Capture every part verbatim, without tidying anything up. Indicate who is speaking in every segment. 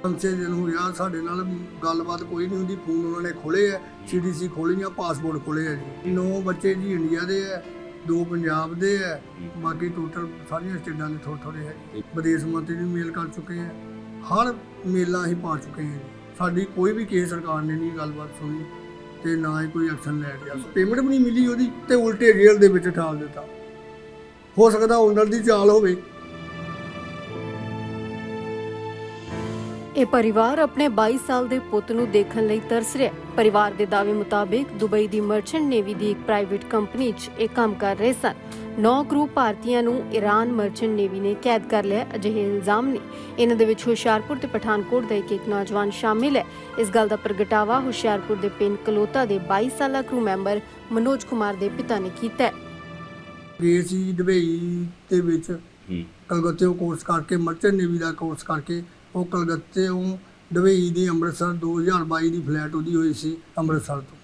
Speaker 1: ਪੰਜ ਛੇ ਦਿਨ ਹੋ ਗਿਆ ਸਾਡੇ ਨਾਲ ਗੱਲਬਾਤ ਕੋਈ ਨਹੀਂ ਹੁੰਦੀ। ਫੋਨ ਉਹਨਾਂ ਨੇ ਖੋਲੇ ਆ, ਸੀ ਡੀ ਸੀ ਖੋਲੀਆਂ, ਪਾਸਪੋਰਟ ਖੋਲੇ ਆ ਜੀ। ਨੌ ਬੱਚੇ ਜੀ ਇੰਡੀਆ ਦੇ ਆ, ਦੋ ਪੰਜਾਬ ਦੇ ਆ, ਬਾਕੀ ਟੋਟਲ ਸਾਰੀਆਂ ਸਟੇਟਾਂ ਦੇ ਥੋੜ੍ਹੇ ਥੋੜ੍ਹੇ ਹੈ। ਵਿਦੇਸ਼ ਮੰਤਰੀ ਨੂੰ ਮੇਲ ਕਰ ਚੁੱਕੇ ਆ, ਹਰ ਮੇਲਾਂ ਅਸੀਂ ਪਾ ਚੁੱਕੇ ਹਾਂ ਜੀ। ਸਾਡੀ ਕੋਈ ਵੀ ਕਿਸੇ ਸਰਕਾਰ ਨੇ ਨਹੀਂ ਗੱਲਬਾਤ ਸੁਣੀ ਤੇ ਨਾ ਹੀ ਕੋਈ ਐਕਸ਼ਨ ਲੈ ਰਿਹਾ। ਪੇਮੈਂਟ ਵੀ ਨਹੀਂ ਮਿਲੀ ਉਹਦੀ ਤੇ ਉਲਟੇ ਜੇਲ੍ਹ ਦੇ ਵਿੱਚ ਠਾਲ ਦਿੱਤਾ। ਹੋ ਸਕਦਾ ਓਨਰ ਦੀ ਚਾਲ ਹੋਵੇ।
Speaker 2: ਇਹ ਪਰਿਵਾਰ ਆਪਣੇ ਬਾਈ ਸਾਲ ਦੇ ਪੁੱਤ ਨੂੰ ਦੇਖਣ ਲਈ ਤਰਸ ਰਿਹਾ। ਪਰਿਵਾਰ ਦੇ ਦਾਅਵੇ ਮੁਤਾਬਿਕ ਦੁਬਈ ਦੀ ਮਰਚੈਂਟ ਨੇਵੀ ਦੀ ਇੱਕ ਪ੍ਰਾਈਵੇਟ ਕੰਪਨੀ 'ਚ ਇਹ ਕੰਮ ਕਰ ਰਹੇ ਸਨ। ਨੌ ਕਰੂ ਭਾਰਤੀਆਂ ਨੂੰ ਈਰਾਨ ਮਰਚੈਂਟ ਨੇਵੀ ਨੇ ਕੈਦ ਕਰ ਲਿਆ। ਅਜਿਹੇ ਇਲਜ਼ਾਮ ਨੇ। ਇਹਨਾਂ ਦੇ ਵਿੱਚ ਹੁਸ਼ਿਆਰਪੁਰ ਤੇ ਪਠਾਨਕੋਟ ਦਾ ਇੱਕ ਇੱਕ ਨੌਜਵਾਨ ਸ਼ਾਮਿਲ ਹੈ। ਇਸ ਗੱਲ ਦਾ ਪ੍ਰਗਟਾਵਾ ਹੁਸ਼ਿਆਰਪੁਰ ਦੇ ਪਿੰਡ ਕਲੋਤਾ ਦੇ ਬਾਈ ਸਾਲਾ ਕਰੂ ਮੈਂਬਰ ਮਨੋਜ ਕੁਮਾਰ ਦੇ ਪਿਤਾ ਨੇ ਕੀਤਾ ਹੈ।
Speaker 1: ਗਏ ਸੀ ਦੁਬਈ ਦੇ ਵਿੱਚ ਕਲਕੱਤੇ ਕੋਰਸ ਕਰਕੇ, ਮਰਚੈਂਟ ਨੇਵੀ ਦਾ ਕੋਰਸ ਕਰਕੇ ਉਹ ਕਲਕੱਤੇ ਉਹ ਦੁਬਈ ਦੀ ਅੰਮ੍ਰਿਤਸਰ ਦੋ ਹਜ਼ਾਰ ਬਾਈ ਦੀ ਫਲੈਟ ਉਹਦੀ ਹੋਈ ਸੀ ਅੰਮ੍ਰਿਤਸਰ ਤੋਂ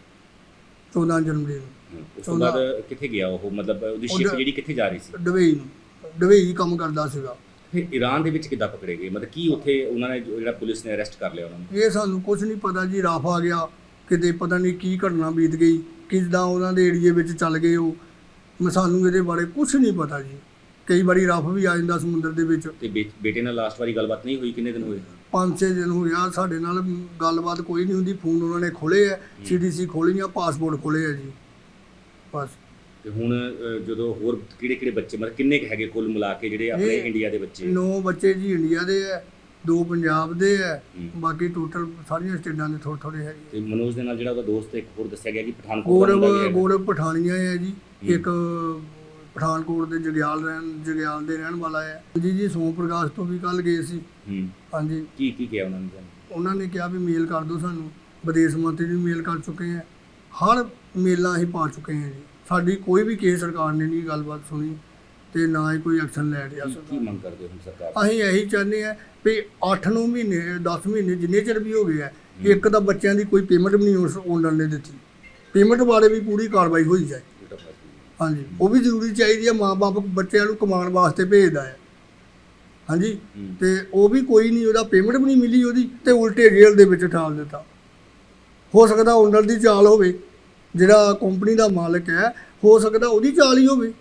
Speaker 1: ਚੌਦਾਂ ਜਨਵਰੀ ਨੂੰ।
Speaker 3: ਉਸ ਤੋਂ ਬਾਅਦ ਕਿੱਥੇ ਗਿਆ ਉਹ, ਮਤਲਬ ਉਹਦੀ ਸ਼ਿਪ ਜਿਹੜੀ ਕਿੱਥੇ ਜਾ ਰਹੀ ਸੀ?
Speaker 1: ਦੁਬਈ ਨੂੰ। ਦੁਬਈ ਕੰਮ ਕਰਦਾ ਸੀਗਾ।
Speaker 3: ਫਿਰ ਈਰਾਨ ਦੇ ਵਿੱਚ ਕਿੱਦਾਂ ਪਕੜੇ ਗਏ? ਮਤਲਬ ਕੀ ਉੱਥੇ ਉਹਨਾਂ ਨੇ ਜਿਹੜਾ ਪੁਲਿਸ ਨੇ ਅਰੈਸਟ ਕਰ ਲਿਆ ਉਹਨਾਂ ਨੂੰ?
Speaker 1: ਇਹ ਸਾਨੂੰ ਕੁਝ ਨਹੀਂ ਪਤਾ ਜੀ। ਰਫ ਆ ਗਿਆ ਕਿਤੇ, ਪਤਾ ਨਹੀਂ ਕੀ ਘਟਨਾ ਬੀਤ ਗਈ, ਕਿੱਦਾਂ ਉਹਨਾਂ ਦੇ ਏਰੀਏ ਵਿੱਚ ਚੱਲ ਗਏ ਉਹ। ਮੈਂ ਸਾਨੂੰ ਇਹਦੇ ਬਾਰੇ ਕੁਝ ਨਹੀਂ ਪਤਾ ਜੀ। ਕਈ ਵਾਰੀ ਰਫ ਵੀ ਆ ਜਾਂਦਾ ਸਮੁੰਦਰ ਦੇ ਵਿੱਚ।
Speaker 3: ਤੇ ਬੇਟੇ ਨਾਲ ਲਾਸਟ ਵਾਰੀ ਗੱਲਬਾਤ ਨਹੀਂ ਹੋਈ? ਕਿੰਨੇ ਦਿਨ ਹੋਏ?
Speaker 1: ਪੰਜ ਛੇ ਦਿਨ ਹੋ ਗਿਆ ਸਾਡੇ ਨਾਲ ਗੱਲਬਾਤ ਕੋਈ ਨਹੀਂ ਹੁੰਦੀ। ਫੋਨ ਉਹਨਾਂ ਨੇ ਖੋਲੇ ਆ, ਸੀ ਡੀ ਸੀ ਖੋਲੀਆਂ, ਪਾਸਪੋਰਟ ਖੋਲੇ ਆ ਜੀ ਬਸ।
Speaker 3: ਤੇ ਹੁਣ ਜਦੋਂ ਹੋਰ ਕਿਹੜੇ ਕਿਹੜੇ ਬੱਚੇ, ਮਤਲਬ ਕਿੰਨੇ ਕੁ ਹੈਗੇ ਕੁੱਲ ਮਿਲਾ ਕੇ ਜਿਹੜੇ ਆਪਣੇ ਇੰਡੀਆ ਦੇ ਬੱਚੇ?
Speaker 1: ਨੌ ਬੱਚੇ ਜੀ ਇੰਡੀਆ ਦੇ ਆ, ਦੋ ਪੰਜਾਬ ਦੇ ਆ, ਬਾਕੀ ਟੋਟਲ ਸਾਰੀਆਂ ਸਟੇਟਾਂ ਦੇ ਥੋੜ੍ਹੇ ਥੋੜ੍ਹੇ ਹੈਗੇ।
Speaker 3: ਤੇ ਮਨੋਜ ਦੇ ਨਾਲ ਜਿਹੜਾ ਉਹਦਾ ਦੋਸਤ ਇੱਕ ਹੋਰ ਦੱਸਿਆ ਗਿਆ ਕਿ ਪਠਾਨਕੋਟ ਦਾ
Speaker 1: ਗੌਰਵ ਗੌਰਵ ਪਠਾਨੀਆ ਹੈ ਜੀ। ਇੱਕ ਪਠਾਨਕੋਟ ਦੇ ਜਗਿਆਲ ਰਹਿਣ ਜਗਿਆਲ ਦੇ ਰਹਿਣ ਵਾਲਾ ਹੈ ਜੀ। ਜੀ ਸੋਮ ਪ੍ਰਕਾਸ਼ ਤੋਂ ਵੀ ਕੱਲ ਗਏ ਸੀ। ਹਾਂਜੀ।
Speaker 3: ਕੀ ਕੀ ਕਿਹਾ ਉਹਨਾਂ ਨੇ?
Speaker 1: ਉਹਨਾਂ ਨੇ ਕਿਹਾ ਵੀ ਮੇਲ ਕਰ ਦਿਓ ਸਾਨੂੰ। ਵਿਦੇਸ਼ ਮੰਤਰੀ ਨੂੰ ਮੇਲ ਕਰ ਚੁੱਕੇ ਆ, ਹਰ ਮੇਲਾਂ ਅਸੀਂ ਪਾ ਚੁੱਕੇ ਹਾਂ ਜੀ। ਸਾਡੀ ਕੋਈ ਵੀ ਕਿਸੇ ਸਰਕਾਰ ਨੇ ਨਹੀਂ ਗੱਲਬਾਤ ਸੁਣੀ ਤੇ ਨਾ ਹੀ ਕੋਈ ਐਕਸ਼ਨ ਲੈ ਰਿਹਾ।
Speaker 3: ਕੀ ਮੰਗ ਕਰਦੇ ਹੋ ਸਰਕਾਰ?
Speaker 1: ਅਸੀਂ ਇਹੀ ਚਾਹੁੰਦੇ ਹਾਂ ਵੀ ਅੱਠ ਨੌ ਮਹੀਨੇ ਦਸ ਮਹੀਨੇ ਜਿੰਨੇ ਚਿਰ ਵੀ ਹੋ ਗਏ ਆ, ਇੱਕ ਤਾਂ ਬੱਚਿਆਂ ਦੀ ਕੋਈ ਪੇਮੈਂਟ ਵੀ ਨਹੀਂ ਉਸ ਓਨਰ ਨੇ ਦਿੱਤੀ। ਪੇਮੈਂਟ ਬਾਰੇ ਵੀ ਪੂਰੀ ਕਾਰਵਾਈ ਹੋਈ ਜਾਏ। ਹਾਂਜੀ, ਉਹ ਵੀ ਜ਼ਰੂਰੀ ਚਾਹੀਦੀ ਹੈ। ਮਾਂ ਬਾਪ ਬੱਚਿਆਂ ਨੂੰ ਕਮਾਉਣ ਵਾਸਤੇ ਭੇਜਦਾ ਹੈ। ਹਾਂਜੀ, ਤੇ ਉਹ ਵੀ ਕੋਈ ਨਹੀਂ, ਉਹਦਾ ਪੇਮੈਂਟ ਵੀ ਨਹੀਂ ਮਿਲੀ ਉਹਦੀ ਤੇ ਉਲਟੇ ਜੇਲ੍ਹ ਦੇ ਵਿੱਚ ਠਾਲ ਦਿੱਤਾ। ਹੋ ਸਕਦਾ ਓਨਰ ਦੀ ਚਾਲ ਹੋਵੇ, ਜਿਹੜਾ ਕੰਪਨੀ ਦਾ ਮਾਲਕ ਹੈ, ਹੋ ਸਕਦਾ ਉਹਦੀ ਚਾਲ ਹੀ ਹੋਵੇ।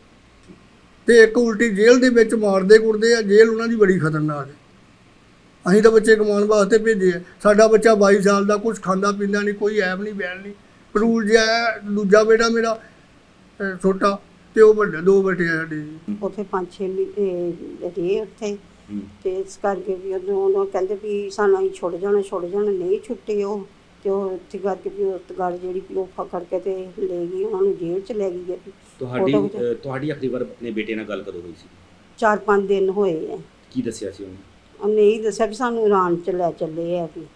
Speaker 1: ਤੇ ਇੱਕ ਉਲਟੀ ਜੇਲ੍ਹ ਦੇ ਵਿੱਚ ਮਾਰਦੇ ਕੁੱਟਦੇ ਆ। ਜੇਲ੍ਹ ਉਹਨਾਂ ਦੀ ਬੜੀ ਖਤਰਨਾਕ ਹੈ। ਅਸੀਂ ਤਾਂ ਬੱਚੇ ਕਮਾਉਣ ਵਾਸਤੇ ਭੇਜੇ ਆ। ਸਾਡਾ ਬੱਚਾ ਬਾਈ ਸਾਲ ਦਾ, ਕੁਛ ਖਾਂਦਾ ਪੀਂਦਾ ਨਹੀਂ, ਕੋਈ ਐਬ ਨਹੀਂ ਬੈਣ ਨਹੀਂ, ਪਰੂਲ ਜਿਹਾ ਹੈ। ਦੂਜਾ ਬੇਟਾ ਮੇਰਾ ਛੋਟਾ ਤੇ ਉਹ ਵੱਡੇ ਦੋ ਬੇਟੇ ਆ ਸਾਡੇ ਜੀ।
Speaker 4: ਉੱਥੇ ਪੰਜ ਛੇ ਮਹੀਨੇ ਰਹੇ ਉੱਥੇ ਤੇ ਇਸ ਕਰਕੇ ਵੀ ਉਦੋਂ ਉਹ ਕਹਿੰਦੇ ਵੀ ਸਾਨੂੰ ਅਸੀਂ ਛੁੱਟ ਜਾਣਾ ਛੁੱਟ ਜਾਣਾ ਨਹੀਂ ਛੁੱਟੇ ਉਹ। ਤੇ ਉਹ ਇੱਥੇ ਕਰਕੇ ਵੀ ਉਸ ਗੱਲ ਜਿਹੜੀ ਵੀ ਉਹ ਫੜ ਕੇ ਤੇ ਲੈ ਗਈ, ਉਹਨਾਂ ਨੂੰ ਜੇਲ੍ਹ 'ਚ ਲੈ ਗਈ ਹੈ।
Speaker 3: ਤੁਹਾਡੀ ਤੁਹਾਡੀ ਆਖਰੀ ਵਾਰ ਆਪਣੇ ਬੇਟੇ ਨਾਲ ਗੱਲ ਕਦੋਂ ਹੋਈ ਸੀ?
Speaker 4: ਚਾਰ ਪੰਜ ਦਿਨ ਹੋਏ ਆ।
Speaker 3: ਕੀ ਦੱਸਿਆ ਸੀ ਉਹਨੇ?
Speaker 4: ਉਹਨੇ ਇਹ ਦੱਸਿਆ ਵੀ ਸਾਨੂੰ ਈਰਾਨ 'ਚ ਲੈ ਚੱਲੇ ਆ, ਵੀ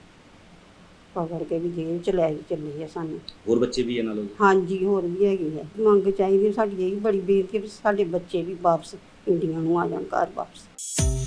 Speaker 4: ਪਕੜ ਕੇ ਵੀ ਜੇਲ੍ਹ 'ਚ ਲੈ ਕੇ ਚੱਲੇ ਆ ਸਾਨੂੰ।
Speaker 3: ਹੋਰ ਬੱਚੇ ਵੀ ਇਹਨਾਂ ਨਾਲ?
Speaker 4: ਹਾਂਜੀ, ਹੋਰ ਵੀ ਹੈਗੇ ਆ। ਮੰਗ ਚਾਹੀਦੀ ਸਾਡੀ ਇਹ ਬੜੀ ਬੇਨਤੀ ਵੀ ਸਾਡੇ ਬੱਚੇ ਵੀ ਵਾਪਸ ਇੰਡੀਆ ਨੂੰ ਆ ਜਾਣ, ਘਰ ਵਾਪਸ।